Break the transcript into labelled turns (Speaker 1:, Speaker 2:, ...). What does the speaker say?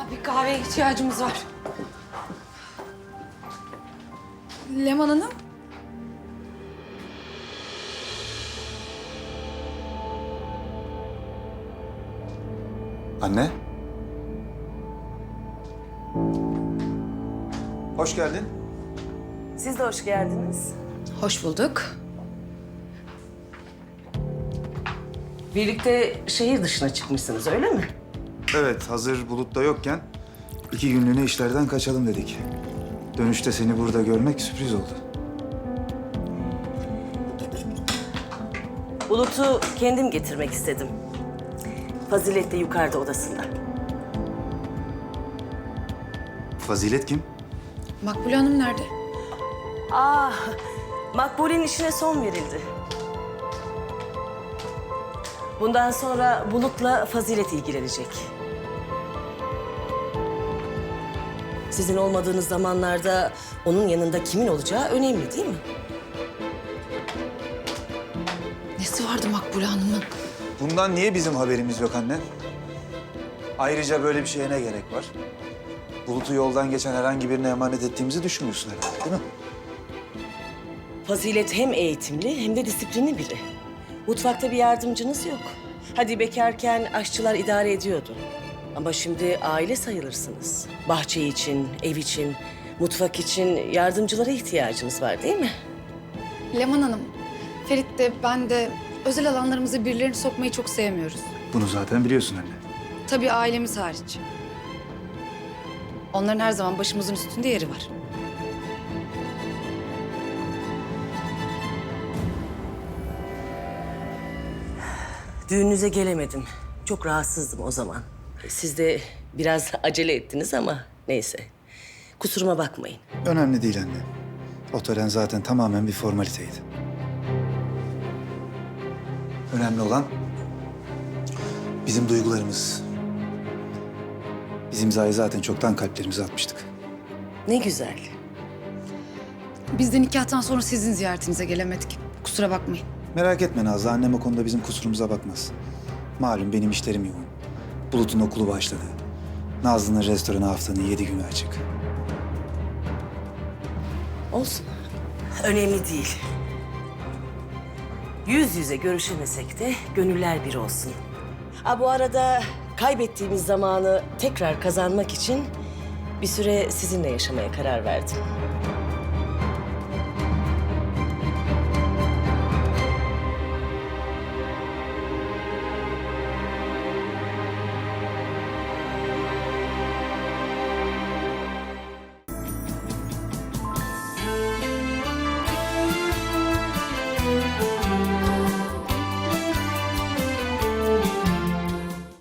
Speaker 1: Bir kahveye ihtiyacımız var.
Speaker 2: Leman Hanım.
Speaker 3: Anne. Hoş geldin.
Speaker 4: Siz de hoş geldiniz.
Speaker 2: Hoş bulduk.
Speaker 4: Birlikte şehir dışına çıkmışsınız, öyle mi?
Speaker 3: Evet, hazır Bulut'ta yokken 2 günlüğüne işlerden kaçalım dedik. Dönüşte seni burada görmek sürpriz oldu.
Speaker 4: Bulut'u kendim getirmek istedim. Fazilet de yukarıda odasında.
Speaker 3: Fazilet kim?
Speaker 2: Makbule Hanım nerede?
Speaker 4: Makbule'nin işine son verildi. Bundan sonra Bulut'la Fazilet ilgilenecek. Sizin olmadığınız zamanlarda onun yanında kimin olacağı önemli değil mi?
Speaker 2: Nesi vardı Makbule Hanım'ın?
Speaker 3: Bundan niye bizim haberimiz yok anne? Ayrıca böyle bir şeye ne gerek var? Bulut'u yoldan geçen herhangi birine emanet ettiğimizi düşünmüyorsun herhalde, değil mi?
Speaker 4: Fazilet hem eğitimli hem de disiplinli biri. Mutfakta bir yardımcınız yok. Hadi bekarken aşçılar idare ediyordu. Ama şimdi aile sayılırsınız. Bahçe için, ev için, mutfak için yardımcılara ihtiyacınız var değil mi?
Speaker 2: Leman Hanım, Ferit de ben de özel alanlarımıza birilerini sokmayı çok sevmiyoruz.
Speaker 3: Bunu zaten biliyorsun anne.
Speaker 2: Tabii ailemiz hariç. Onların her zaman başımızın üstünde yeri var.
Speaker 4: Düğününüze gelemedim. Çok rahatsızdım o zaman. Siz de biraz acele ettiniz ama neyse. Kusuruma bakmayın.
Speaker 3: Önemli değil anne. O tören zaten tamamen bir formaliteydi. Önemli olan bizim duygularımız. Biz imzayı zaten çoktan kalplerimize atmıştık.
Speaker 4: Ne güzel.
Speaker 2: Biz de nikahtan sonra sizin ziyaretinize gelemedik. Kusura bakmayın.
Speaker 3: Merak etme Nazlı, annem o konuda bizim kusurumuza bakmaz. Malum benim işlerim yoğun. Bulut'un okulu başladı. Nazlı'nın restoranı haftanın 7 günü açık.
Speaker 4: Olsun. Önemli değil. Yüz yüze görüşemesek de gönüller bir olsun. Bu arada kaybettiğimiz zamanı tekrar kazanmak için bir süre sizinle yaşamaya karar verdim.